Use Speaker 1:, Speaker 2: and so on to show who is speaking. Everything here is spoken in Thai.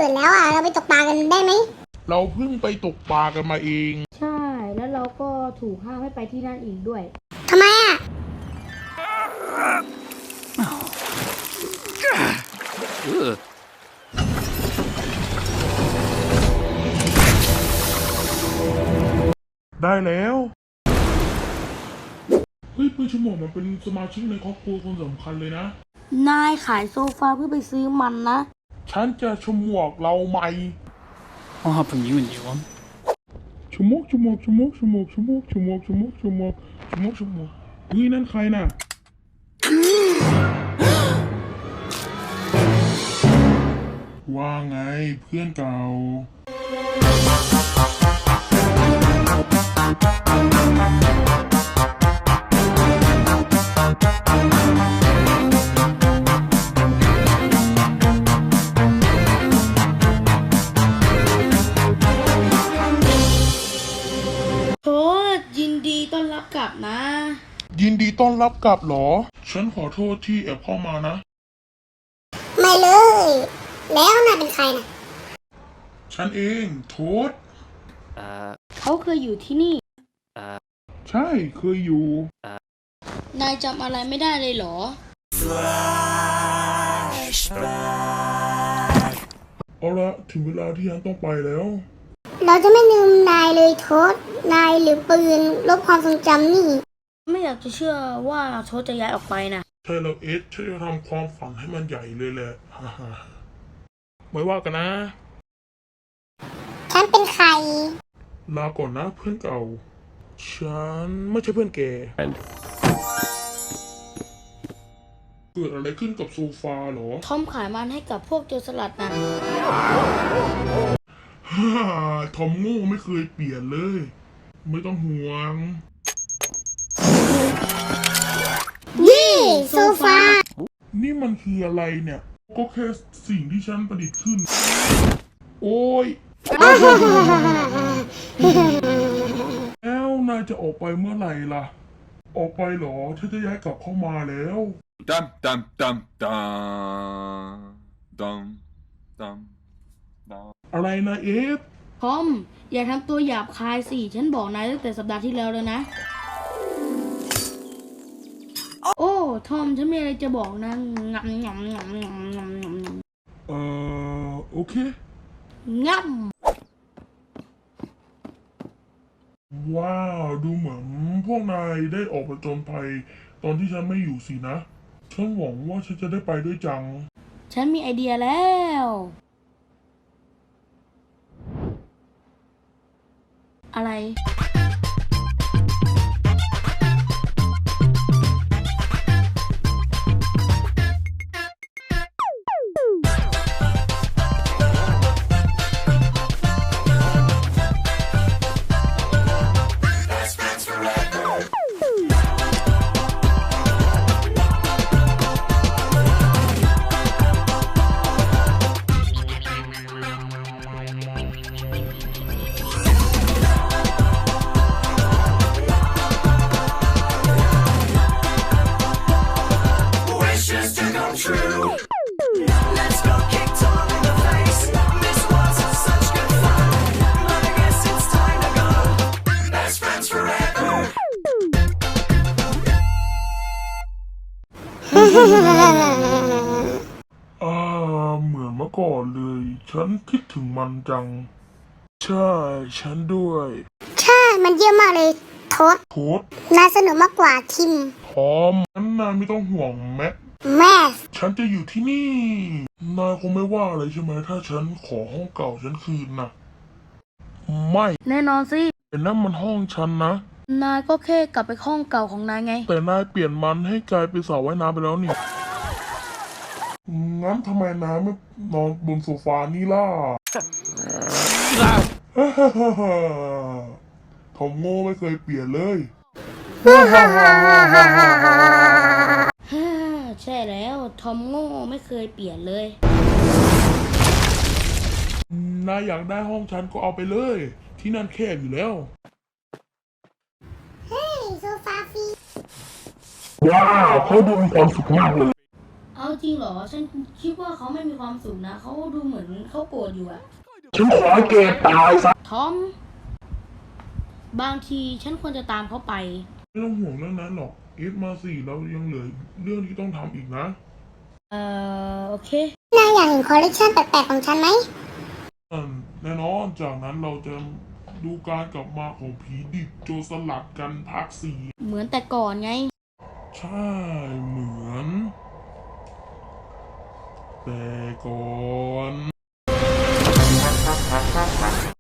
Speaker 1: ปิดแล้วอ่ะเราไปตกปลากันได้ไหม
Speaker 2: เราเพิ่งไปตกปลากันมาเอง
Speaker 3: ใช่แล้วเราก็ถูกห้ามให้ไปที่นั่นอีกด้วย
Speaker 1: ทำไมอ่ะ
Speaker 2: ได้แล้วเฮ้ยเพื่อนชั่วโมงมันเป็นสมาชิกในครอบครัวคนสำคัญเลยนะ
Speaker 3: นายขายโซฟาเพื่อไปซื้อมันนะ
Speaker 2: ฉันจะชมวกเราใหม่
Speaker 4: I'll hop from you and you one.
Speaker 2: ชมวกเฮ้ยนั่นใครน่ะ ว่าไงเพื่อนเก่า
Speaker 3: โทษยินดีต้อนรับกลับนะ
Speaker 2: ยินดีต้อนรับกลับเหรอ ฉันขอโทษที่แอบเข้ามานะ
Speaker 1: ไม่เลย แล้วนายเป็นใครนะ
Speaker 2: ฉันเองโทษ
Speaker 3: เขาเคยอยู่ที่นี่
Speaker 2: ใช่เคยอยู่
Speaker 3: นายจำอะไรไม่ได้เลยเหรอ
Speaker 2: เอาละถึงเวลาที่ฉันต้องไปแล้ว
Speaker 1: เราจะไม่ลืมนายเลยโทษนายหรือปืนลบความทรงจำนี่
Speaker 3: ไม่อยากจะเชื่อว่าโทษจะย้ายออกไปนะ
Speaker 2: ใช่แล้วเอสฉันจะทำความฝันให้มันใหญ่เลยแหละ ฮ่าฮ่าไม่ว่ากันนะ
Speaker 1: ฉันเป็นใคร
Speaker 2: ลาก่อนนะเพื่อนเก่า ฉันไม่ใช่เพื่อนแก เกิดอะไรขึ้นกับโซฟาเหรอ
Speaker 3: ทอมขายมันให้กับพวกโจรสลัดนะ
Speaker 2: ฮ่าทอมโง่ไม่เคยเปลี่ยนเลย ไม่ต้องห่วง
Speaker 1: นี่โซฟา
Speaker 2: นี่มันคืออะไรเนี่ย ก็แค่สิ่งที่ฉันประดิษฐ์ขึ้น โอ้ย แล้วนายจะออกไปเมื่อไหร่ล่ะ ออกไปเหรอฉันจะย้ายกลับเข้ามาแล้ว
Speaker 4: Dum dum dum dum dum dum dum.
Speaker 2: อะไรนะเอฟ
Speaker 3: ทอมอย่าทำตัวหยาบคายสิ ฉันบอกนายตั้งแต่สัปดาห์ที่แล้วแล้วนะ โอ้ทอมฉันมีอะไรจะบอกนะงำงำงำงำงำงำ
Speaker 2: โอเค
Speaker 3: งำ
Speaker 2: ว้าว ดูเหมือนพวกนายได้ออกผจญภัยตอนที่ฉันไม่อยู่สินะ ฉันหวังว่าฉันจะได้ไปด้วยจัง
Speaker 3: ฉันมีไอเดียแล้ว อะไร
Speaker 5: Wishes to come true. Let's go kick Tom in the face. This was such good fun, but I guess it's time to go. Best friends forever.
Speaker 2: เหมือนเมื่อก่อนเลย ฉันคิดถึงมันจัง ใช่ ฉันด้วย
Speaker 1: ใช่ มันเยี่ยมมากเลยโทษ
Speaker 2: โทษ
Speaker 1: นายสนุกมากกว่าทิม
Speaker 2: พร้อมงั้นนายไม่ต้องห่วงแม็ก
Speaker 1: แม่
Speaker 2: ฉันจะอยู่ที่นี่ นายคงไม่ว่าอะไรใช่ไหมถ้าฉันขอห้องเก่าฉันคืนนะไม่
Speaker 3: แน่นอนสิ
Speaker 2: แต่นั่นมันห้องฉันนะ
Speaker 3: นายก็แค่กลับไปห้องเก่าของนายไง
Speaker 2: แต่นายเปลี่ยนมันให้กลายเป็นสระว่ายน้ำไปแล้วนี่ งั้นทำไมนายไม่นอนบนโซฟานี่ล่ะ ทอมโง่ไม่เคยเปลี่ยนเลย
Speaker 3: ใช่แล้วทอมโง่ไม่เคยเปลี่ยนเลย
Speaker 2: นายอยากได้ห้องฉันก็เอาไปเลย ที่นั่นแคบอยู่แล้ว
Speaker 1: เฮ้ยโซฟาฟรี
Speaker 2: ว้าวเขาดูมีความสุขมากเลย
Speaker 3: เอาจจริงเหรอ ฉันคิดว่าเขาไม่มีความสุขนะ เขาดูเหมือนเขาโกรธอยู่อะ
Speaker 2: ฉันขอให้แกตายซะ
Speaker 3: ทอม บางทีฉันควรจะตามเขาไป
Speaker 2: ไม่ต้องห่วงเรื่องนั้นหรอกเอสมาสิเรายังเหลือเรื่องที่ต้องทำอีกนะ
Speaker 3: โอเค
Speaker 1: นายอยากเห็นคอลเลกชันแปลกๆของฉันไหม
Speaker 2: แน่นอนจากนั้นเราจะดูการกลับมาของผีดิบโจรสลัดกันภาค
Speaker 3: เหมือนแต่ก่อนไง
Speaker 2: 4 ใช่เหมือน แต่ก่อน